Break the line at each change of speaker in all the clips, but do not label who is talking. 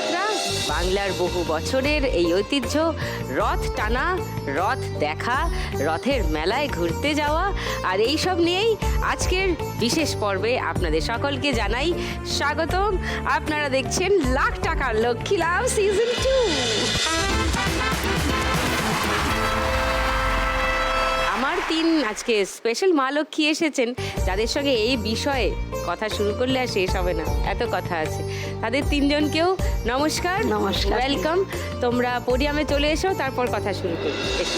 রথযাত্রা, বাংলার বহু বছরের এই ঐতিহ্য, রথ টানা, রথ দেখা, রথের মেলায় ঘুরতে যাওয়া, আর এই সব নিয়েই আজকের বিশেষ পর্বে আপনাদের সকলকে জানাই স্বাগতম। আপনারা দেখছেন লাখ টাকার লক্ষ্মী লাভ সিজন 2। আমার তিন আজকে স্পেশাল মা লক্ষ্মী এসেছেন, যাদের সঙ্গে এই বিষয়ে কথা শুরু করলে আর শেষ হবে না, এত কথা আছে। তাদের তিনজনকেও নমস্কার,
নমস্কার,
ওয়েলকাম। তোমরা পোডিয়ামে চলে এসো, তারপর কথা শুরু করি। এসো।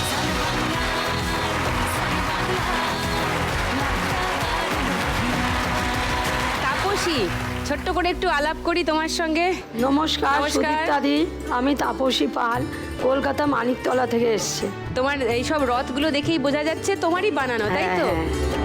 তাপসী, ছোট্ট করে একটু আলাপ করি তোমার সঙ্গে।
নমস্কার সুদীপ্তাদি, আমি তাপসী পাল, কলকাতা মানিকতলা থেকে এসেছি।
তোমার এইসব রথগুলো দেখেই বোঝা যাচ্ছে তোমারই বানানো, তাই তো?
হ্যাঁ।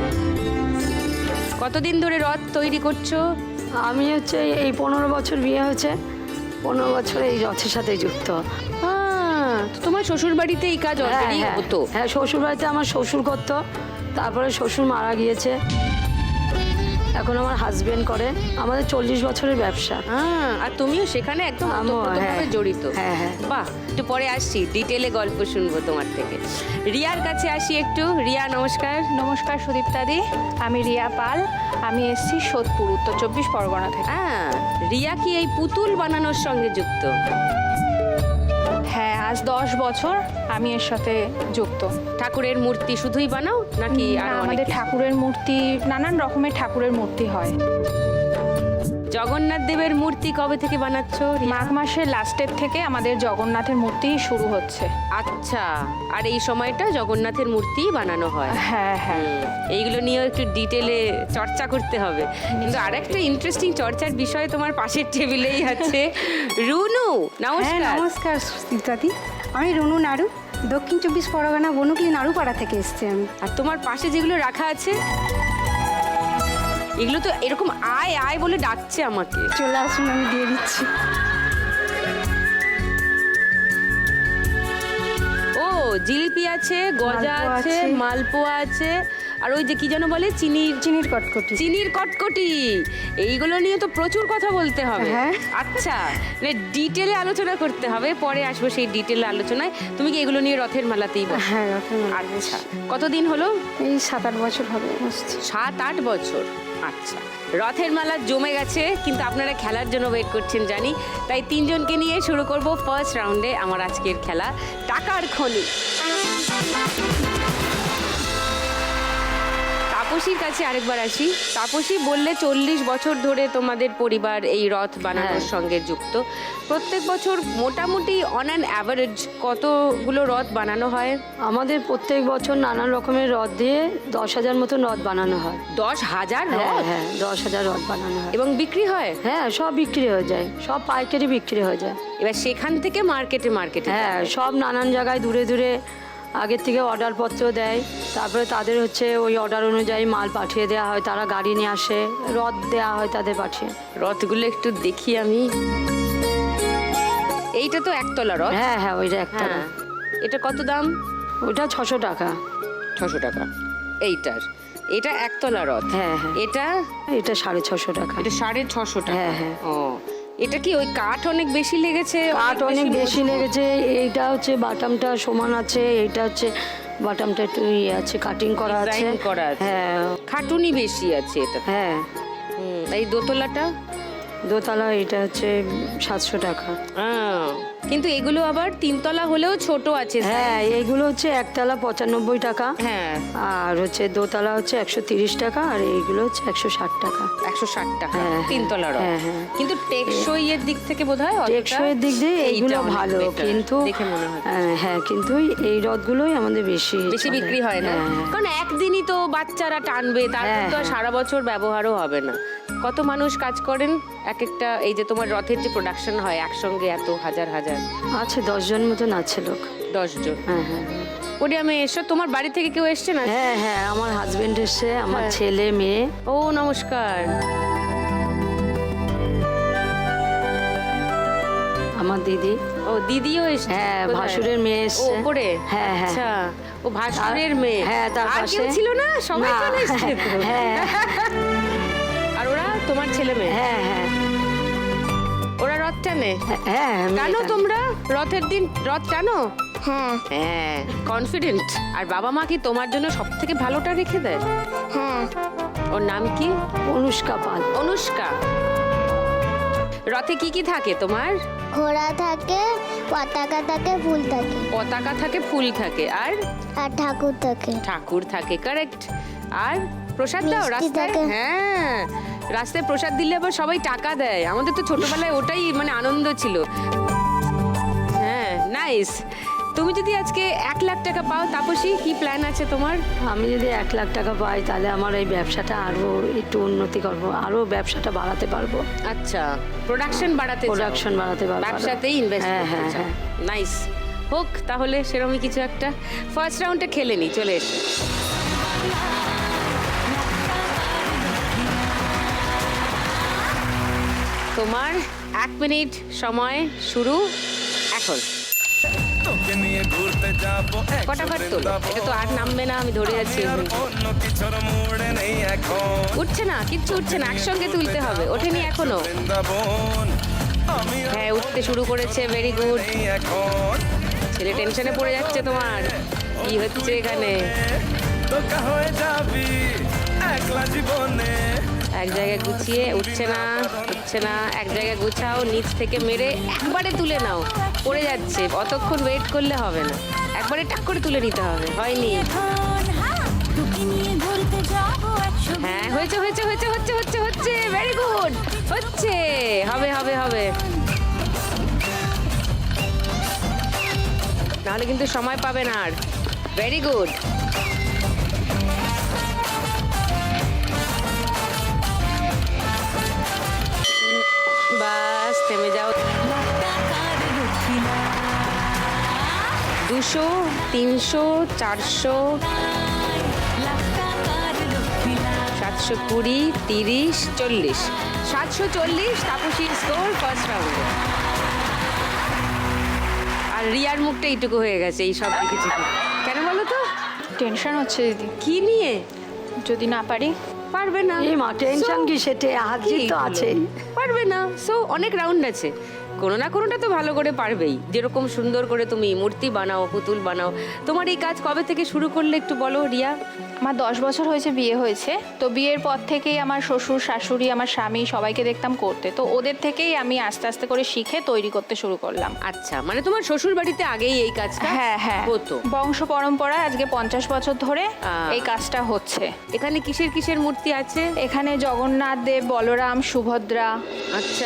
কতদিন ধরে রথ তৈরি করছো?
আমি হচ্ছে এই 15 বছর বিয়ে হয়েছে, 15 বছর এই রথের সাথে যুক্ত।
তো তোমার শ্বশুর বাড়িতে এই কাজ অলরেডি হতো?
হ্যাঁ, শ্বশুর বাড়িতে আমার শ্বশুর করতো, তারপরে শ্বশুর মারা গিয়েছে, এখন আমার হাজবেন্ড করে। আমাদের 40 বছরের ব্যবসা।
আর তুমিও সেখানে একদম ওতপ্রোতভাবে জড়িত?
হ্যাঁ হ্যাঁ।
বাহ, একটু পরে আসছি, ডিটেলে গল্প শুনবো তোমার থেকে। রিয়ার কাছে আসি একটু। রিয়া, নমস্কার।
নমস্কার সুদীপ্তাদি, আমি রিয়া পাল, আমি এসেছি সোদপুর, উত্তর 24 পরগনা থেকে।
রিয়া কি এই পুতুল বানানোর সঙ্গে যুক্ত?
হ্যাঁ, আজ 10 বছর আমি এর সাথে যুক্ত।
ঠাকুরের মূর্তি শুধুই বানাও নাকি
না,
আরো অনেক
আমাদের
কিছু?
ঠাকুরের মূর্তি, নানান রকমের ঠাকুরের মূর্তি হয়।
জগন্নাথ দেবের মূর্তি কবে থেকে বানাচ্ছ?
মাঘ মাসের লাস্টের থেকে আমাদের জগন্নাথের মূর্তি শুরু হচ্ছে।
আচ্ছা, আর এই সময়টা জগন্নাথের মূর্তি বানানো হয়?
হ্যাঁ হ্যাঁ।
এইগুলো নিয়েও একটু ডিটেলে চর্চা করতে হবে। কিন্তু আরেকটা ইন্টারেস্টিং চর্চার বিষয় তোমার পাশের টেবিলেই আছে। রুনু, নমস্কার।
নমস্কার সুদীপ্তাদি, আমি রুনু নাড়ু, দক্ষিণ 24 পরগনা বনুকলি নাড়ুপাড়া থেকে এসেছি আমি।
আর তোমার পাশে যেগুলো রাখা আছে, এগুলো তো এরকম আয় আয় বলে ডাকছে আমাকে।
চলে আসুন, আমি দিয়ে দিচ্ছি।
ও, জিলিপি আছে, গজা
মালপোয়া
আছে,
আছে।
মালপোয়া আছে, আর ওই যে কি যেন বলে,
চিনির কটকটি।
চিনির কটকটি। এইগুলো নিয়ে তো প্রচুর কথা বলতে হবে।
হ্যাঁ।
আচ্ছা, ডিটেলে আলোচনা করতে হবে, পরে আসবো সেই ডিটেলে আলোচনায়। তুমি কি এগুলো নিয়ে রথের মেলাতেই বসো?
হ্যাঁ, রথের মেলা।
আচ্ছা, কতদিন হলো?
এই 7-8 বছর হবে বসছি।
7-8 বছর। আচ্ছা, রথের মেলা জমে গেছে, কিন্তু আপনারা খেলার জন্য ওয়েট করছেন জানি। তাই তিনজনকে নিয়ে শুরু করব ফার্স্ট রাউন্ডে আমার আজকের খেলা, টাকার খনি। তাপসীর কাছে আরেকবার আসি। তাপসী, বললে 40 বছর ধরে তোমাদের পরিবার এই রথ বানানোর সঙ্গে যুক্ত। প্রত্যেক বছর মোটামুটি অন অ্যান অ্যাভারেজ কতগুলো রথ বানানো হয়?
আমাদের প্রত্যেক বছর নানান রকমের রথ দিয়ে 10,000 মতন রথ বানানো হয়।
10,000
হ্যাঁ
রথ?
হ্যাঁ, 10,000 রথ বানানো হয়।
এবং বিক্রি হয়?
হ্যাঁ, সব বিক্রি হয়ে যায়, সব পাইকারি বিক্রি হয়ে যায়।
এবার সেখান থেকে মার্কেটে
হ্যাঁ, সব নানান জায়গায় দূরে দূরে আগের থেকে অর্ডারপত্র দেয়, তারপরে তাদের হচ্ছে ওই অর্ডার অনুযায়ী মাল পাঠিয়ে দেওয়া হয়, তারা গাড়ি নিয়ে আসে, রথ দেওয়া হয় তাদের পাঠিয়ে।
রথগুলো একটু দেখি আমি। এইটা তো একতলা রথ?
হ্যাঁ হ্যাঁ, ওইটা একটা।
হ্যাঁ। এটা কত দাম?
ওইটা 600 টাকা।
600 টাকা এইটার। এটা একতলা রথ?
হ্যাঁ হ্যাঁ।
এটা?
এটা 650 টাকা।
এটা 650 টাকা?
হ্যাঁ হ্যাঁ।
ও, এটা কি ওই কাঠ অনেক বেশি লেগেছে?
কাঠ অনেক বেশি লেগেছে। এইটা হচ্ছে বাটামটা সমান আছে, এইটা হচ্ছে বাটামটা একটু ইয়ে আছে, কাটিং করা আছে।
ডিজাইন করা আছে।
হ্যাঁ
খাটুনি বেশি আছে এটা।
হ্যাঁ।
এই দোতলাটা?
দোতলা এটা হচ্ছে 700 টাকা।
কিন্তু এগুলো আবার 3তলা হলেও ছোট আছে।
হ্যাঁ, এইগুলো হচ্ছে একতলা 95 টাকা।
হ্যাঁ।
আর হচ্ছে দোতলা হচ্ছে 130 টাকা, আর এইগুলো হচ্ছে 160 টাকা।
160 টাকা
হ্যাঁ,
3তলা রথ।
হ্যাঁ, হ্যাঁ।
কিন্তু টেকসই এর দিক থেকে বোধহয়
টেকসইয়ের দিক দিয়ে এইগুলো
অনেক
ভালো,
better
কিন্তু
দেখে মনে হয়।
হ্যাঁ, কিন্তু এই রথগুলোই আমাদের বেশি চলে।
বিক্রি হয় না,
হ্যাঁ।
কারণ একদিনই তো বাচ্চারা টানবে, তারপর তো আর
হ্যাঁ।
সারা বছর ব্যবহারও হবে না। কত মানুষ কাজ করেন এক একটা, এই যে তোমার রথের যে প্রোডাকশন হয় একসঙ্গে, এত হাজার হাজার?
আছে 10 জন মতন আছে লোক।
10 জন?
হ্যাঁ হ্যাঁ।
পোডিয়ামে এসো। তোমার বাড়ি থেকে কেউ এসছে না?
হ্যাঁ হ্যাঁ, আমার হাজবেন্ড এসছে, আমার
হ্যাঁ।
ছেলে মেয়ে।
ও, নমস্কার।
আমার দিদি।
ও, দিদিও এসছে?
হ্যাঁ,
কোথায়?
ভাসুরের মেয়ে
ও,
এসছে।
ওপরে?
হ্যাঁ হ্যাঁ।
আচ্ছা, ও ভাসুরের মেয়ে।
হ্যাঁ, তার
আর
পাশে
কেউ ছিল না? সবাই
না।
চলে এসছে তো?
হ্যাঁ
আর ওরা তোমার ছেলে মেয়ে?
হ্যাঁ হ্যাঁ।
ওরা রথটা টানে?
হ্যাঁ মেয়ে
টানো
টানে।
তোমরা রথের দিন রথ টানো?
হ্যাঁ
হ্যাঁ, কনফিডেন্ট। আর বাবা মা কি তোমার জন্য সব থেকে ভালোটা রেখে দেয়?
হ্যাঁ
ওর নাম কি?
অনুষ্কা পাল।
অনুষ্কা। রথে কি কি থাকে তোমার?
ঘোড়া থাকে, পতাকা থাকে, ফুল থাকে,
পতাকা থাকে, ফুল থাকে, আর
আর ঠাকুর থাকে।
ঠাকুর থাকে, কারেক্ট। আর প্রসাদ দাও
মিষ্টি
রাস্তায়?
থাকে।
হ্যাঁ, রাস্তায় প্রসাদ দিলে আবার সবাই টাকা দেয়। আমাদের তো ছোটবেলায় ওটাই মানে আনন্দ ছিল। হ্যাঁ, নাইস। তুমি যদি আজকে 1,00,000 টাকা পাও, তাপসী, কি প্ল্যান আছে তোমার?
আমি যদি 1,00,000 টাকা পাই তাহলে আমার এই ব্যবসাটা আরো একটু উন্নতি করব, আরো ব্যবসাটা বাড়াতে পারবো।
আচ্ছা, প্রোডাকশন বাড়াতে চাও?
প্রোডাকশন বাড়াতে পারবো।
ব্যবসাতেই ইনভেস্ট
হ্যাঁ
করতে
হ্যাঁ
চাও।
হ্যাঁ।
নাইস। হোক তাহলে সেরকমই কিছু একটা। ফার্স্ট রাউন্ডে খেলে নি, চলে এসো। তোমার 1 মিনিট সময় শুরু এখন।
তোকে নিয়ে ঘুরতে যাবো
ফটাফট তোলো, এটা তো আর নামবে না, আমি ধরে আছি।
অন্য কিছুর মুড়ে নেই এখন
উঠছে না, কিচ্ছু উঠছে না, একসঙ্গে তুলতে হবে। ওঠেনি এখনো?
বৃন্দাবন আমি
হ্যাঁ, উঠতে শুরু করেছে, ভেরি গুড।
নেই এখন
ছেলে টেনশনে পড়ে যাচ্ছে তোমার, কি হচ্ছে এখানে?
তোকা হয়ে যাবি একলা জীবনে
এক জায়গায় গুছিয়ে, উঠছে না, উঠছে না, এক জায়গায় গুছাও, নিচ থেকে মেরে একবারে তুলে নাও। পড়ে যাচ্ছে, অতক্ষণ ওয়েট করলে হবে না, একবারে টাক করে তুলে নিতে হবে। হয়নি? হ্যাঁ, হয়েছে হয়েছে হয়েছে হচ্ছে হচ্ছে হচ্ছে, ভেরি গুড, হচ্ছে, হবে হবে হবে। নাহলে কিন্তু সময় পাবে না আর। Very good. বাস, থেমে যাও। 200, 300, 400, 720, 30, 40, 740 তাপসীর স্কোর ফার্স্ট রাউন্ডে। আর রিয়ার মুখটা এইটুকু হয়ে গেছে এই সব দেখেছি। কেন বলো তো?
টেনশন হচ্ছে দিদি,
কি নিয়ে?
যদি না পারি।
পারবে না।
এই মা টেনশন কি, সেটে হাত জিত তো আছেই।
পারবে না, সো অনেক রাউন্ড আছে, কোনো না কোনোটা তো ভালো করে পারবেই। যেরকম সুন্দর করে তুমি মূর্তি বানাও, পুতুল বানাও, তোমার এই কাজ কবে থেকে শুরু করলে একটু বলো রিয়া?
আমার 10 বছর হয়েছে বিয়ে হয়েছে, তো বিয়ের পর থেকেই আমার শ্বশুর শাশুড়ি, আমার স্বামী সবাইকে দেখতাম করতে, তো ওদের থেকেই আমি আস্তে আস্তে করে শিখে তৈরি করতে শুরু করলাম।
আচ্ছা, মানে তোমার শ্বশুর বাড়িতে আগেই এই কাজটা
হ্যাঁ হ্যাঁ,
হতো?
বংশ পরম্পরায় আজকে 50 বছর ধরে
আহ।
এই কাজটা হচ্ছে।
এখানে কিসের কিসের মূর্তি আছে?
এখানে জগন্নাথ দেব, বলরাম, সুভদ্রা।
আচ্ছা,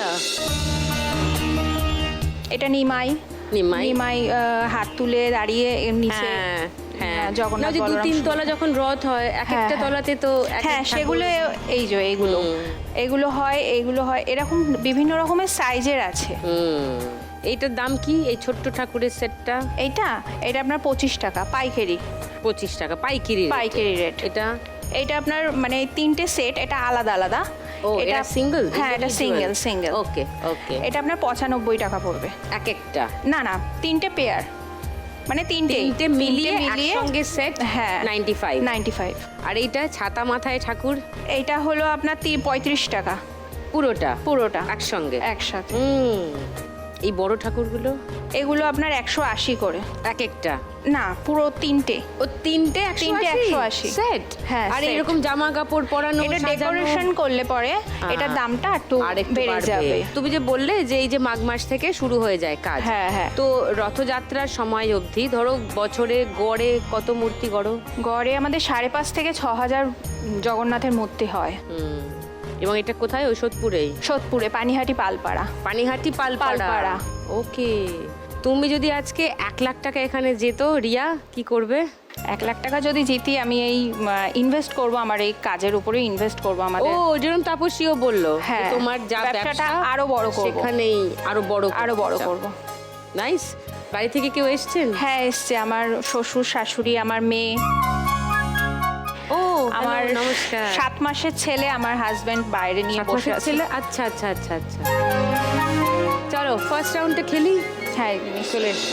এটা নিমাই।
নিমাই।
নিমাই হাত তুলে দাঁড়িয়ে এর নিচে
হ্যাঁ হ্যাঁ,
জগন্নাথ,
না, যে
বলরাম,
2-3 তলা যখন রথ হয়, এক
হ্যাঁ,
একটা
হ্যাঁ।
তলাতে তো এক
হ্যাঁ,
এক
সেগুলো
ঠাকুর।
এই যে এইগুলো এগুলো হয়, এইগুলো হয়, এরকম বিভিন্ন রকমের সাইজের আছে।
এইটার দাম কি, এই ছোট্ট ঠাকুরের সেটটা?
এইটা আপনার 25 টাকা পাইকারি।
25 টাকা পাইকারি rate?
পাইকারি রেট।
এটা
এইটা আপনার মানে 3টে সেট, এটা আলাদা আলাদা।
ও, এটা সিঙ্গেল?
হ্যাঁ, এটা সিঙ্গেল।
ওকে ওকে।
এটা আপনার 95 টাকা পড়বে।
এক একটা?
না না, 3টে পেয়ার, মানে তিনটে
মিলিয়ে একসঙ্গে সেট?
হ্যাঁ,
95।
95।
আর এইটা ছাতা মাথায় ঠাকুর?
এইটা হলো আপনার 35 টাকা পুরোটা
একসঙ্গে?
একসাথে।
এই বড় ঠাকুরগুলো?
এগুলো আপনার 180 করে
এক একটা?
না, পুরো তিনটে।
ও, তিনটে
180
সেট?
হ্যাঁ,
আর
set।
এরকম জামা কাপড় পরানো,
এটা
সাজানো?
ডেকোরেশন করলে পরে এটার দামটা একটু
আরেকটু
বেড়ে
বাড়বে।
যাবে।
তুমি যে বললে যে এই যে মাঘ মাস থেকে শুরু হয়ে যায় কাজ,
হ্যাঁ হ্যাঁ।
তো রথযাত্রার সময় অবধি ধরো বছরে গড়ে কত মূর্তি গড়ো?
গড়ে আমাদের 5,500 থেকে 6,000 জগন্নাথের মূর্তি হয়।
এবং এটা কোথায়? ওই সোদপুরেই?
সোদপুরে, পানিহাটি, পালপাড়া।
পানিহাটি, পালপাড়া।
পালপাড়া।
ওকে। তুমি যদি আজকে 1,00,000 টাকা এখানে যেত, রিয়া, কি করবে?
1,00,000 টাকা যদি জিতি, আমি এই ইনভেস্ট করব, আমার এই কাজের উপরে ইনভেস্ট করব।
ও,
আমাদের
যেরকম তাপসীও বললো,
হ্যাঁ,
তোমার যা
ব্যবসাটা
ব্যবসা
আরো বড় করব।
সেখানেই আরো বড়
করব।
নাইস। বাড়ি থেকে কেউ এসেছেন?
হ্যাঁ, এসছে আমার শ্বশুর শাশুড়ি, আমার মেয়ে,
ও,
আমার
নমস্কার।
7 মাসের ছেলে, আমার হাজবেন্ড বাইরে নিয়ে
7
বসে
মাসের
আছে।
ছেলে? আচ্ছা আচ্ছা আচ্ছা আচ্ছা। চলো ফার্স্ট রাউন্ডটা খেলি।
হ্যাঁ,
চলে এসো।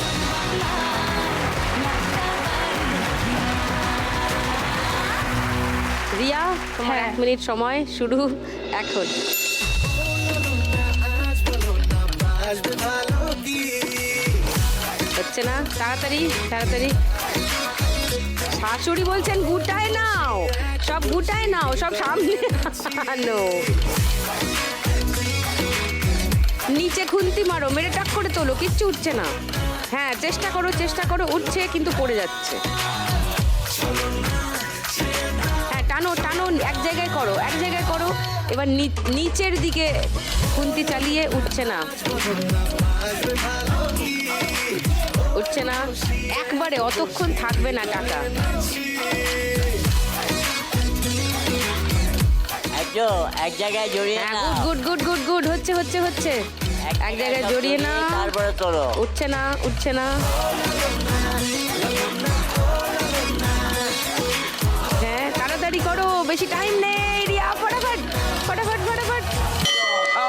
রিয়া, তোমার
হ্যাঁ।
1 মিনিট সময় শুরু এখন। হচ্ছে না, তাড়াতাড়ি তাড়াতাড়ি। শাশুড়ি বলছেন গুটায় নাও, সব গুটায় নাও, সব সামনে আনো। নিচে খুন্তি মারো, মেরে টাক করে তোলো, কিচ্ছু উঠছে না। হ্যাঁ চেষ্টা করো, উঠছে কিন্তু পড়ে যাচ্ছে। হ্যাঁ টানো টানো, এক জায়গায় করো। এবার নিচের দিকে খুন্তি চালিয়ে, উঠছে না। একবারে অতক্ষণ থাকবে না টাকা।
এক জায়গায় জড়িয়ে
হ্যাঁ
নাও।
গুড হচ্ছে। এক জায়গায় জড়িয়ে না,
তারপরে তোলো।
উঠছে না। হ্যাঁ তাড়াতাড়ি করো, বেশি টাইম নেই। রিয়া ফটাফট। ও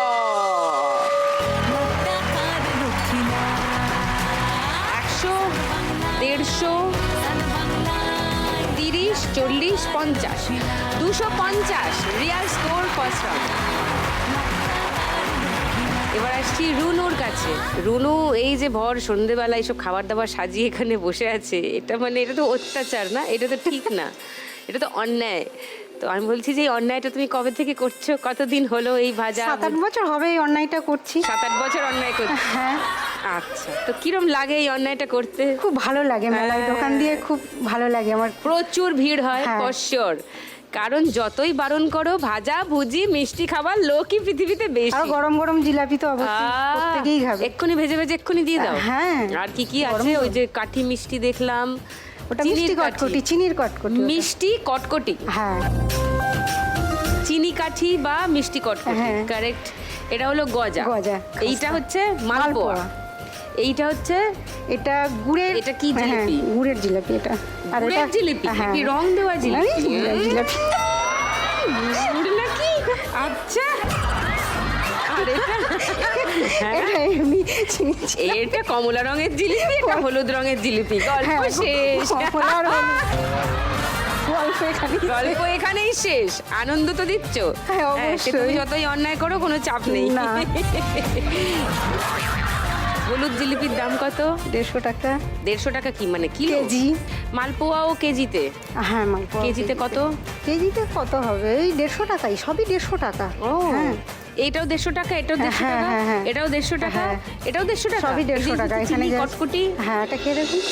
100, 150, 30, 40, 50, 250 রিয়াল স্কোর ফার্স্ট রাউন্ড। এবার আসছি রুনুর কাছে। রুনু এই যে ভর সন্ধেবেলা এইসব খাবার দাবার সাজিয়ে এখানে বসে আছে, এটা তো অত্যাচার না, এটা তো ঠিক না, এটা তো অন্যায়। তো আমি বলছি যে এই অন্যায়টা তুমি কবে থেকে করছো, কতদিন হলো এই ভাজা?
7-8 বছর হবে এই অন্যায়টা করছি।
7-8 বছর অন্যায় করছি।
হ্যাঁ।
আচ্ছা, তো কিরম লাগে এই অন্যায়টা করতে?
খুব ভালো লাগে, মেলায় দোকান দিয়ে খুব ভালো লাগে আমার।
প্রচুর ভিড় হয়
হ্যাঁ।
ফর শিওর, কারণ যতই বারণ করো ভাজা ভুজি মিষ্টি খাবার লোকই পৃথিবীতে
আর
বেশি।
গরম গরম জিলাপি তো অবশ্যই প্রত্যেকেই খাবে।
এক্ষুনি ভেজে এক্ষুনি দিয়ে দাও।
হ্যাঁ।
আর কি আছে? ওই যে কাঠি মিষ্টি দেখলাম,
ওটা
চিনির
মিষ্টি
কাঠি।
কটকটি, চিনির কটকটি ওটা।
মিষ্টি কটকটি,
হ্যাঁ
চিনি কাঠি বা মিষ্টি কটকটি,
হ্যাঁ।
কারেক্ট। এটা হলো গজা। এইটা হচ্ছে মালপোয়া। এইটা হচ্ছে
এটা গুড়ের।
এটা কি
হ্যাঁ,
জিলিপি?
গুড়ের জিলাপি এটা। আর
গুড়ের
এটা
জিলিপি,
হ্যাঁ।
কি রং দেওয়া জিলিপি?
গুড়ের জিলাপি।
গুড় নাকি? আচ্ছা। আর এটা? হ্যাঁ।
এটা এমনি চিনি।
এটা কমলা রঙের জিলিপি, এটা হলুদ রঙের জিলিপি। গল্প
হ্যাঁ,
শেষ।
কমলা আর হলুদ।
গল্প এখানেই শেষ। আনন্দ তো দিচ্ছ।
হ্যাঁ,
সে তুমি
অবশ্যই।
যতই অন্যায় করো কোনো চাপ নেই।
না।
হলুদ জিলিপির দাম কত?
150 টাকা।
150 টাকা কি মানে কিলো?
কেজি।
মালপোয়াও কেজিতে?
হ্যাঁ মালপোয়া
কেজিতে কত?
কেজিতে কত হবে? এই 150 টাকাই, সবই 150 টাকা।
ও
হ্যাঁ।
এইটাও 150 টাকা, এটাও 150
হ্যাঁ,
টাকা,
হ্যাঁ, হ্যাঁ।
এটাও 150 টাকা,
হ্যাঁ।
এটাও 150 টাকা,
সবই 150 টাকা। এখানে
চিনি
যা-
কটকটি।
হ্যাঁ, এটা খেয়ে দেখুন।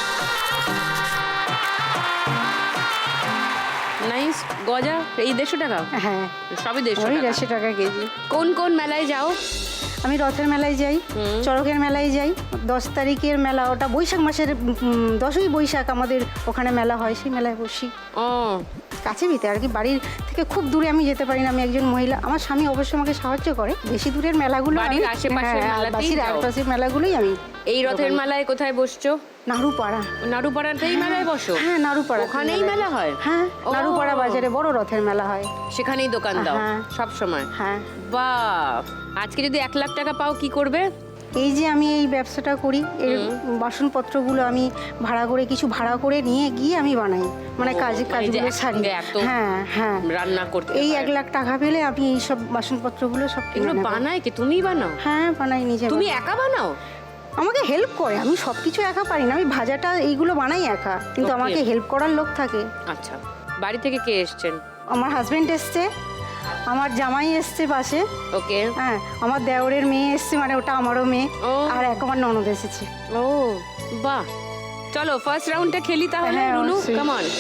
নাইস। গজা এই 150 টাকা,
হ্যাঁ,
সবই
ওই
150 টাকা।
150 টাকা কেজি।
কোন কোন মেলায় যাও?
আমি রথের মেলায় যাই, চড়কের মেলায় যাই। 10 তারিখের মেলা, ওটা বৈশাখ মাসের 10ই বৈশাখ আমাদের ওখানে মেলা হয়, সেই মেলায় বসি।
ও
কাছে ভিতে আর কি, বাড়ির থেকে খুব দূরে আমি যেতে পারি না, আমি একজন মহিলা। আমার স্বামী অবশ্যই আমাকে সাহায্য করে। বেশি দূরের মেলাগুলো
বাড়ির আশেপাশের মেলাতেই যাও।
আশেপাশের মেলাগুলোই আমি।
এই রথের মেলায় কোথায় বসছো?
নাড়ুপাড়া।
নাড়ুপাড়াতেই মেলায় বসো?
হ্যাঁ, নাড়ুপাড়া।
ওখানেই মেলা হয়?
হ্যাঁ,
ও।
নাড়ুপাড়া বাজারে বড় রথের মেলা হয়।
সেখানেই দোকান দাও
হ্যাঁ।
সব সময়?
হ্যাঁ।
বাহ, আজকে যদি 1 লাখ টাকা পাও কি করবে?
এই যে আমি এই ব্যবসাটা করি, এর বাসনপত্রগুলো আমি কিছু ভাড়া করে নিয়ে গিয়ে আমি বানাই, মানে
ও,
কাজগুলো
মানে যে
সারি।
একসঙ্গে এত
হ্যাঁ হ্যাঁ,
রান্না করতে
এই
হয়।
1 লাখ টাকা পেলে আমি এই সব বাসনপত্রগুলো সব কিনে
এগুলো
নেব।
বানায় কি তুমিই বানাও?
হ্যাঁ, বানাই নিজে।
তুমি
বানাই।
একা বানাও?
আমাকে হেল্প করে, আমি সব কিছু একা পারি না। আমি ভাজাটা এইগুলো বানাই একা, কিন্তু
Okay.
আমাকে হেল্প করার লোক থাকে।
আচ্ছা, বাড়ি থেকে কে এসছেন?
আমার হাজবেন্ড এসছে, আমার জামাই এসছে পাশে,
ওকে।
হ্যাঁ, আমার দেওরের মেয়ে এসছে, মানে ওটা আমারও মেয়ে।
ও।
আর আমার ননদ এসেছে।
ও বাহ, চলো ফার্স্ট রাউন্ডটা খেলি তাহলে।
হ্যাঁ,
রুনু
অবশ্যই।
Come on.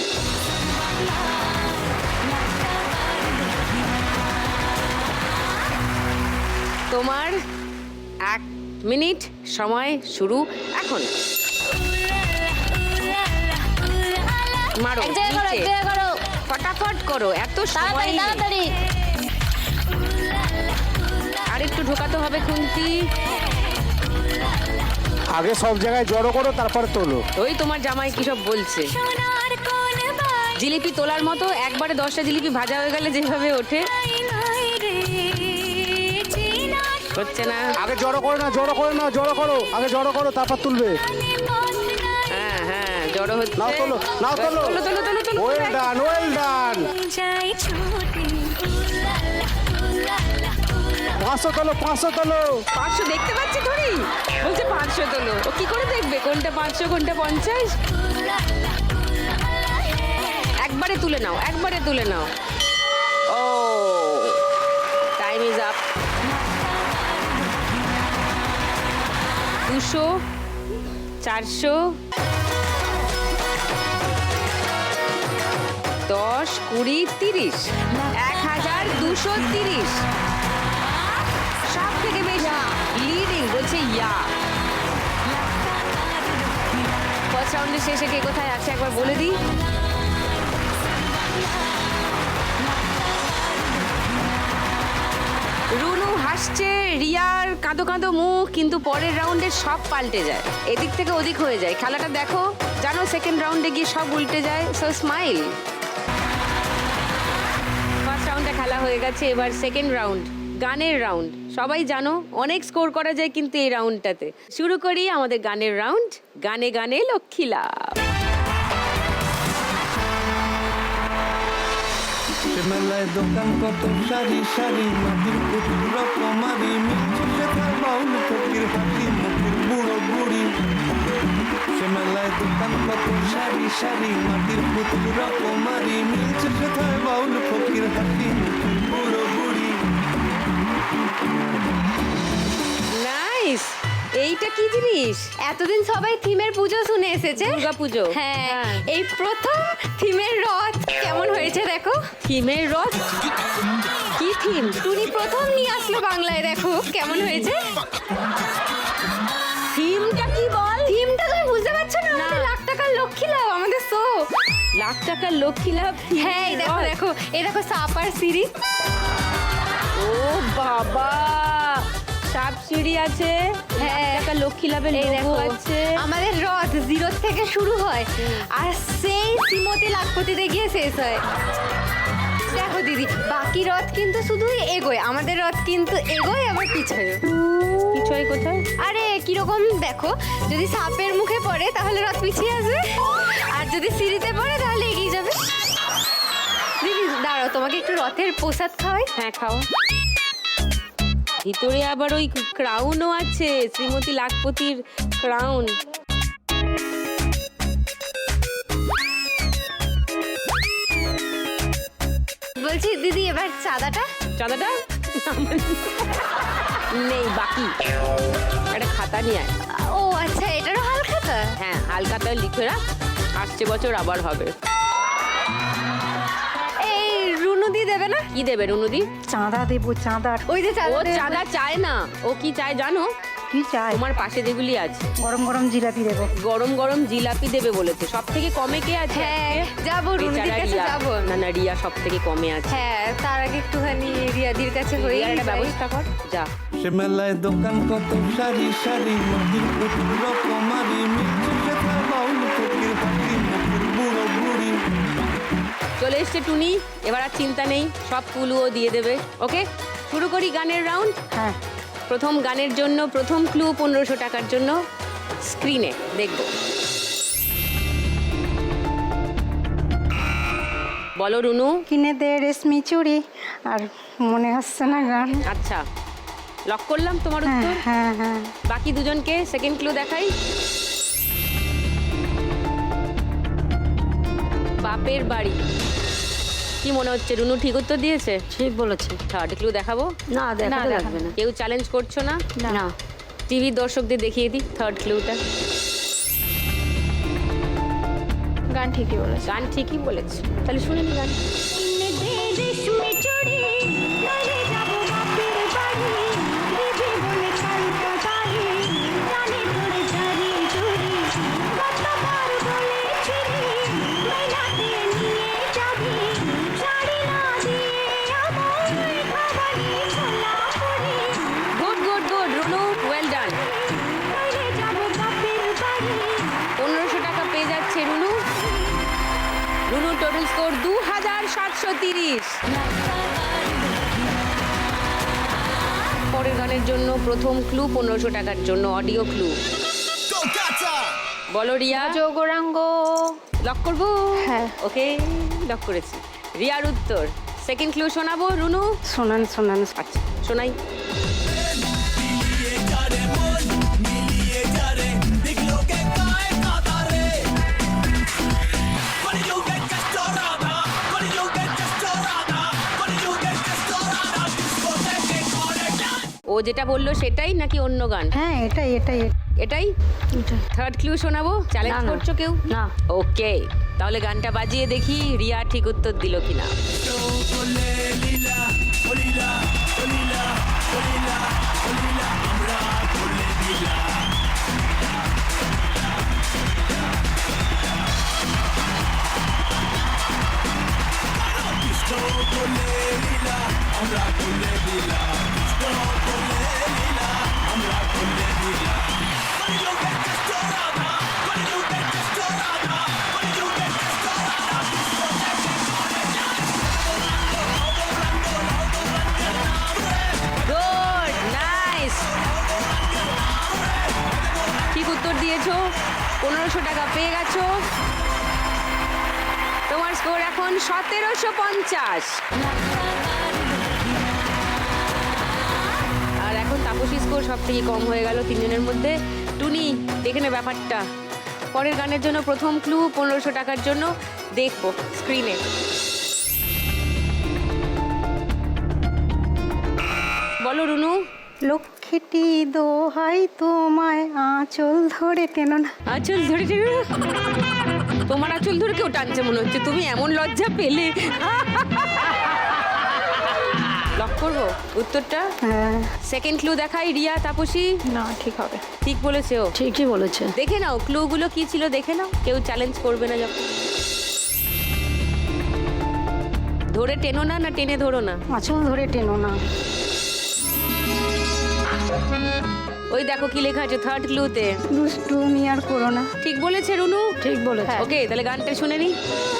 তোমার 1 মিনিট সময় শুরু এখন। মারো নিচে। ফটাফট করো, এত সময় নেই। আর একটু ঢোকাতে হবে খুন্তি।
আগে সব জায়গায় জড়ো করো, তারপরে তোলো।
ওই তোমার জামাই কি সব বলছে। জিলিপি তোলার মতো, একবারে 10টা জিলিপি ভাজা হয়ে গেলে যেভাবে ওঠে, হচ্ছে না।
আগে জড়ো করো না, জড়ো করো না, জড়ো করো, আগে জড়ো করো, তারপর তুলবে।
হ্যাঁ হ্যাঁ, জড়ো হচ্ছে।
নাও তোলো, নাও তোলো।
তোলো তোলো তোলো তোলো।
Well done, well done. 500 তোলো, 500 তোলো।
500 দেখতে পাচ্ছি থরি, বলছে 500 500 তোলো। ও কি করে দেখবে কোনটা 500 কোনটা 50? একবারে তুলে নাও, একবারে তুলে নাও। ও টাইম ইজ আপ। 200, 400, 10, 20, 30, 1230। সব থেকে বেশি লিডিং বলছে ইয়া। ফার্স্ট রাউন্ডের শেষে কে কোথায় আছে একবার বলে দিই। রুনু হাসছে, রিয়ার কাঁদো কাঁদো মুখ, কিন্তু পরের রাউন্ডে সব পাল্টে যায়, এদিক থেকে ওদিক হয়ে যায়। খেলাটা দেখো, জানো সেকেন্ড রাউন্ডে গিয়ে সব উল্টে যায়। So smile. ফার্স্ট রাউন্ডে খেলা হয়ে গেছে, এবার সেকেন্ড রাউন্ড, গানের রাউন্ড। সবাই জানো অনেক স্কোর করা যায় কিন্তু এই রাউন্ডটাতে। শুরু করি আমাদের গানের রাউন্ড, গানে গানে লক্ষ্মী লাভ।
মেলায় দোকান কত সারি সারি মাটির পুতুল রকমারি মিলছে সেথায় বাউল ফকির হাতি মুখের বুড়ো বুড়ি। সে মেলায় দোকান কত সারি সারি মাটির পুতুল রকমারি মিলছে সেথায় বাউল ফকির হাতি মুখের বুড়ো বুড়ি।
নাইস। এইটা কি জিনিস?
এতদিন সবাই থিমের পুজো শুনে এসেছে,
দুর্গা পুজো।
হ্যাঁ, এই প্রথম থিমের রথ কেমন হয়েছে দেখো।
থিমের রথ? কি থিম?
টুনি প্রথম নিয়ে আসলো বাংলায়, দেখো কেমন হয়েছে।
থিমটা কি বল?
থিমটা তুমি বুঝতে পারছো না? আমাদের লাখ টাকার লক্ষ্মী লাভ, আমাদের শো।
লাখ টাকার লক্ষ্মী লাভ?
হ্যাঁ, এই দেখো
রথ।
দেখো, এই দেখো সাপ আর সিঁড়ি।
ও বাবা, সাপ সিঁড়ি আছে,
হ্যাঁ।
টাকা লক্ষ্মী লাভের
এই
লোগো
দেখো
আছে।
আমাদের রথ 0 থেকে শুরু হয় আর সেই শ্রীমতী লাখপতিতে গিয়ে শেষ হয়। দেখো দিদি, বাকি রথ কিন্তু শুধু এগোয়, আমাদের রথ কিন্তু এগোয় আবার পিছায়।
পিছয় কোথায়?
আরে কিরকম দেখো, যদি সাপের মুখে পড়ে তাহলে রথ পিছিয়ে আসবে, আর যদি সিঁড়িতে পড়ে তাহলে এগিয়ে যাবে। দিদি দাঁড়াও, তোমাকে একটু রথের প্রসাদ খাওয়াই।
হ্যাঁ খাও। ভিতরে আবার ওই ক্রাউনও আছে, শ্রীমতী লাখপতির ক্রাউন।
বলছি দিদি, এবার চাঁদাটা।
চাঁদাটা নেই, বাকি একটা খাতা নিয়ে আয়।
ও আচ্ছা, এটারও হালখাতা।
হ্যাঁ, হালখাতায় লিখে রাখ, আসছে বছর আবার হবে।
এই রুনুদি দেবে না?
কি দেবে রুনুদি?
চাঁদা দেবো, চাঁদা।
ওই যে
ও
চাঁদা দেবে।
চাঁদা চায় না, ও কি চায় জানো?
কি চাই?
তোমার পাশে যেগুলি আছে
গরম গরম জিলাপি দেবো।
গরম গরম জিলাপি দেবে বলেছে। সব থেকে কমে কে আছে?
হ্যাঁ, যাবো রুনুদির
বেচারা
কাছে
রিয়া।
যাবো।
না না, রিয়া সব থেকে কমে আছে।
হ্যাঁ, তার আগে একটুখানি রিয়াদির কাছে হয়ে
রিয়ার একটা ব্যবস্থা কর, যা।
সে মেলায় দোকান কত সারি সারি মাটির পুতুল রকমারি মিলছে সেথায় বাউল ফকির হাতি মুখের বুড়ো বুড়ি।
চলে এসছে টুনি, এবার আর চিন্তা নেই, সব ক্লুও দিয়ে দেবে। ওকে, শুরু করি গানের রাউন্ড।
হ্যাঁ,
প্রথম গানের জন্য প্রথম ক্লু 1500 টাকার জন্য স্ক্রিনে দেখব। বলো রুনু।
কিনে দে রেশমি চুড়ি। আর মনে হচ্ছে না গান।
আচ্ছা, লক করলাম তোমার
হ্যাঁ
উত্তর।
হ্যাঁ হ্যাঁ।
বাকি দুজনকে সেকেন্ড ক্লু দেখাই। বাপের বাড়ি। কি মনে হচ্ছে রুনু ঠিক উত্তর দিয়েছে?
ঠিক বলেছে।
থার্ড ক্লু দেখাবো?
না, দেখাতে
না,
লাগবে না।
কেউ চ্যালেঞ্জ করছো না?
না।
টিভির দর্শকদের দেখিয়ে দিই থার্ড ক্লুটা।
গান ঠিকই বলেছে।
গান ঠিকই বলেছে, তাহলে শুনে নি গান। Good good good Runu, well done. 1500 টাকা পেয়ে যাচ্ছে রুনু। Runu total score 2730। পরের গানের জন্য প্রথম ক্লু 1500 টাকার জন্য অডিও ক্লু। বলো রিয়া।
যোগরাঙ্গ।
লক করবো?
হ্যাঁ।
ওকে, লক করেছি। রিয়ার উত্তর। সেকেন্ড ক্লু শোনাবো রুনু?
শোনান শোনান।
আচ্ছা শোনাই।
মিলিয়ে যারে
যেটা বললো সেটাই নাকি অন্য গান?
হ্যাঁ এটাই এটাই
এটাই
এটা।
থার্ড ক্লু শোনাবো, চ্যালেঞ্জ
না, না।
করছো কেউ?
না।
ওকে, তাহলে গানটা বাজিয়ে দেখি রিয়া ঠিক উত্তর দিল কিনা। গুড, নাইস, ঠিক উত্তর দিয়েছো, 1500 টাকা পেয়ে গেছো। তোমার স্কোর এখন 1750। আর এখন তাপসী স্কোর সব থেকে কম হয়ে গেল তিনজনের মধ্যে। টুনি, দেখে নে ব্যাপারটা। পরের গানের জন্য প্রথম ক্লু 1500 টাকার জন্য দেখবো স্ক্রিনে। বলো রুনু।
লক্ষ্মীটি দোহাই তোমায় আঁচল ধরে টেনো না।
আঁচল ধরে টেনে না? তোমার আঁচল ধরে কেউ টানছে মনে হচ্ছে, তুমি এমন লজ্জা পেলে। লক করবো উত্তরটা?
হ্যাঁ
সেকেন্ড ক্লু দেখাই রিয়া, তাপসী।
না, ঠিক হবে।
ঠিক বলেছে ও।
ঠিকই বলেছে।
দেখে নাও ক্লুগুলো কি ছিল, দেখে নাও, কেউ চ্যালেঞ্জ করবে না যখন। ধরে টেনো না, না টেনে ধরো না?
আঁচল ধরে টেনো না।
ওই দেখো কি লেখা আছে থার্ড ক্লুতে।
দুষ্টুমি আর করো না।
ঠিক বলেছে রুনু।
ঠিক বলেছে।
ওকে, তাহলে গানটা শুনে নি।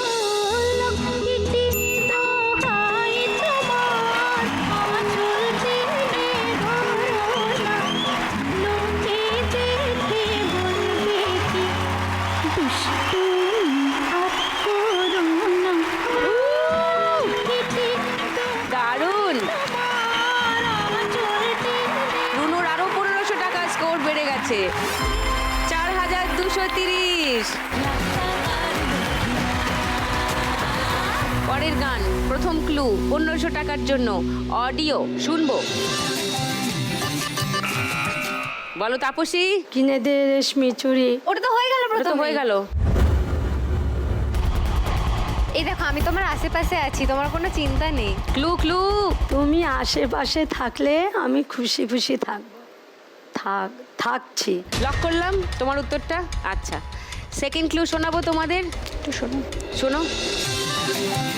দারুণ, রুনুর আরো 1500 টাকা স্কোর বেড়ে গেছে, 4230। পরের গান, প্রথম ক্লু 1500 টাকার জন্য অডিও শুনবো। বলো তাপসী।
কিনে দে রেশমি চুড়ি।
ওটা তো হয়ে গেল
ওটা তো
প্রথমে।
হয়ে গেল।
এই দেখো আমি তোমার আশেপাশে আছি, তোমার কোনো চিন্তা নেই।
Clue clue.
তুমি আশেপাশে থাকলে আমি খুশি খুশি থাকবো। থাকছি।
লক করলাম তোমার উত্তরটা। আচ্ছা, সেকেন্ড ক্লু শোনাবো তোমাদের,
একটু শোনো।
শোনো।